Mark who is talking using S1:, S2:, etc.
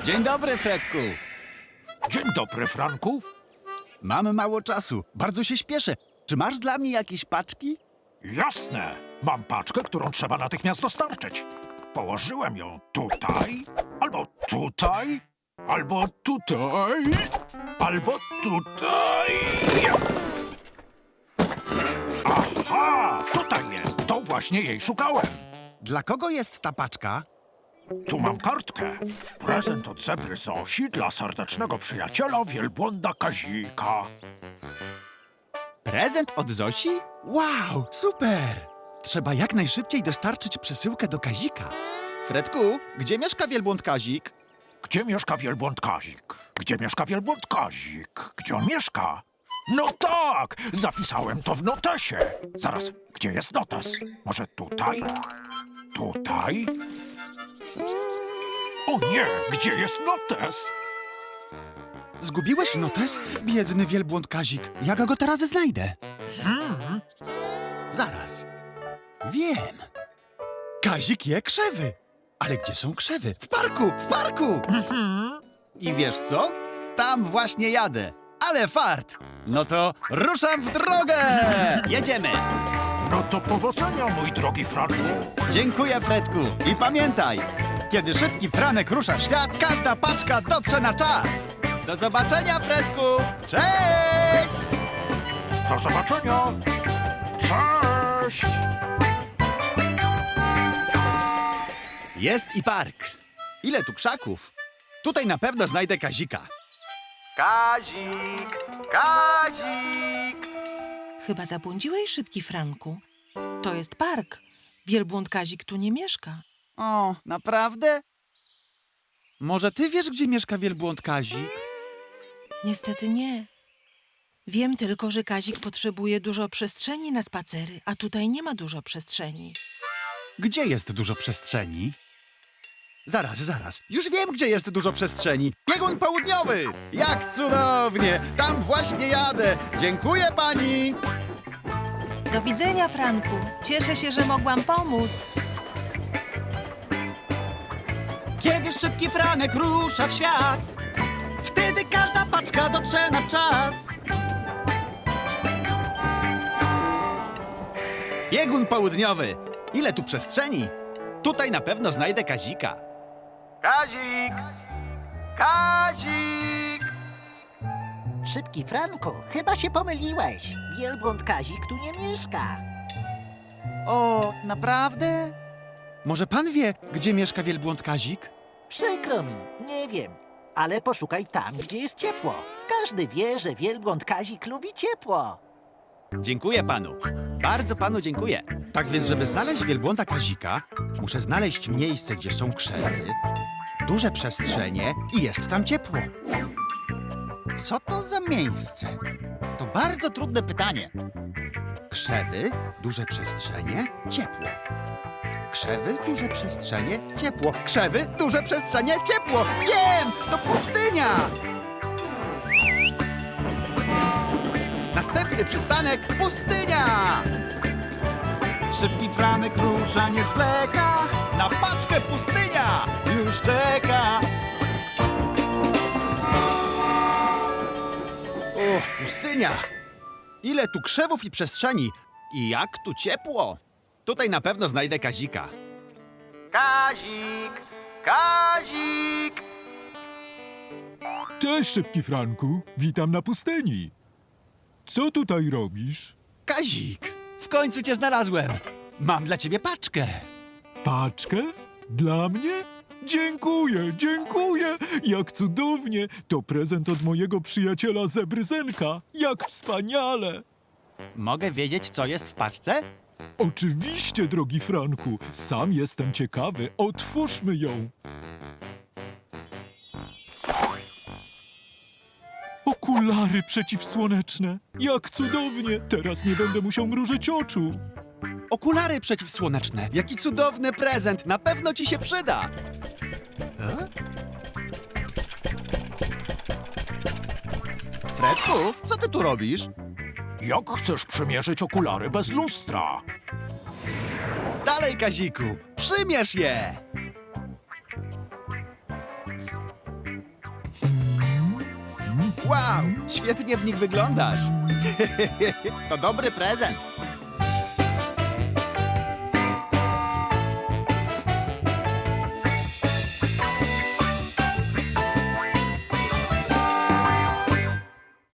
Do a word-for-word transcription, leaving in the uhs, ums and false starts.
S1: Dzień dobry, Fredku.
S2: Dzień dobry, Franku.
S1: Mamy mało czasu. Bardzo się śpieszę. Czy masz dla mnie jakieś paczki?
S2: Jasne. Mam paczkę, którą trzeba natychmiast dostarczyć. Położyłem ją tutaj, albo tutaj, albo tutaj, albo tutaj. Aha! Tutaj jest. To właśnie jej szukałem.
S1: Dla kogo jest ta paczka?
S2: Tu mam kartkę. Prezent od zebry Zosi dla serdecznego przyjaciela wielbłąda Kazika.
S1: Prezent od Zosi? Wow, super! Trzeba jak najszybciej dostarczyć przesyłkę do Kazika. Fredku, gdzie mieszka wielbłąd Kazik?
S2: Gdzie mieszka wielbłąd Kazik? Gdzie mieszka wielbłąd Kazik? Gdzie on mieszka? No tak! Zapisałem to w notesie. Zaraz, gdzie jest notes? Może tutaj? Tutaj? O nie! Gdzie jest notes?
S1: Zgubiłeś notes? Biedny wielbłąd Kazik. Jak go teraz znajdę?
S2: Hmm?
S1: Zaraz. Wiem. Kazik je krzewy. Ale gdzie są krzewy? W parku! W parku! I wiesz co? Tam właśnie jadę. Ale fart! No to ruszam w drogę! Jedziemy!
S2: No to powodzenia, mój drogi Franku.
S1: Dziękuję, Fredku. I pamiętaj, kiedy szybki Franek rusza w świat, każda paczka dotrze na czas. Do zobaczenia, Fredku! Cześć!
S2: Do zobaczenia. Cześć!
S1: Jest i park. Ile tu krzaków? Tutaj na pewno znajdę Kazika.
S3: Kazik! Kazik!
S4: Chyba zabłądziłeś, szybki Franku. To jest park. Wielbłąd Kazik tu nie mieszka.
S1: O, naprawdę? Może ty wiesz, gdzie mieszka wielbłąd Kazik?
S4: Niestety nie. Wiem tylko, że Kazik potrzebuje dużo przestrzeni na spacery, a tutaj nie ma dużo przestrzeni.
S1: Gdzie jest dużo przestrzeni? Zaraz, zaraz. Już wiem, gdzie jest dużo przestrzeni. Biegun południowy! Jak cudownie! Tam właśnie jadę. Dziękuję pani!
S4: Do widzenia, Franku. Cieszę się, że mogłam pomóc.
S1: Kiedy szybki Franek rusza w świat, wtedy każda paczka dotrze na czas. Biegun południowy. Ile tu przestrzeni? Tutaj na pewno znajdę Kazika.
S3: Kazik! Kazik!
S5: Szybki Franku, chyba się pomyliłeś. Wielbłąd Kazik tu nie mieszka.
S1: O, naprawdę? Może pan wie, gdzie mieszka wielbłąd Kazik?
S5: Przykro mi, nie wiem. Ale poszukaj tam, gdzie jest ciepło. Każdy wie, że wielbłąd Kazik lubi ciepło.
S1: Dziękuję panu. Bardzo panu dziękuję. Tak więc, żeby znaleźć wielbłąda Kazika, muszę znaleźć miejsce, gdzie są krzewy, duże przestrzenie i jest tam ciepło. Co to za miejsce? To bardzo trudne pytanie. Krzewy, duże przestrzenie, ciepło. Krzewy, duże przestrzenie, ciepło. Krzewy, duże przestrzenie, ciepło. Wiem! To pustynia! Następny przystanek – pustynia! Szybki Franek rusza, nie zwleka. Na paczkę pustynia już czeka. O, pustynia! Ile tu krzewów i przestrzeni. I jak tu ciepło. Tutaj na pewno znajdę Kazika.
S3: Kazik! Kazik!
S6: Cześć, szybki Franku. Witam na pustyni. Co tutaj robisz?
S1: Kazik, w końcu cię znalazłem. Mam dla ciebie paczkę.
S6: Paczkę? Dla mnie? Dziękuję, dziękuję. Jak cudownie. To prezent od mojego przyjaciela Zebry Zenka. Jak wspaniale.
S1: Mogę wiedzieć, co jest w paczce?
S6: Oczywiście, drogi Franku. Sam jestem ciekawy. Otwórzmy ją. Okulary przeciwsłoneczne. Jak cudownie. Teraz nie będę musiał mrużyć oczu.
S1: Okulary przeciwsłoneczne. Jaki cudowny prezent. Na pewno ci się przyda. E? Fredku, co ty tu robisz?
S2: Jak chcesz przymierzyć okulary bez lustra?
S1: Dalej, Kaziku, przymierz je! Wow, świetnie w nich wyglądasz. To dobry prezent.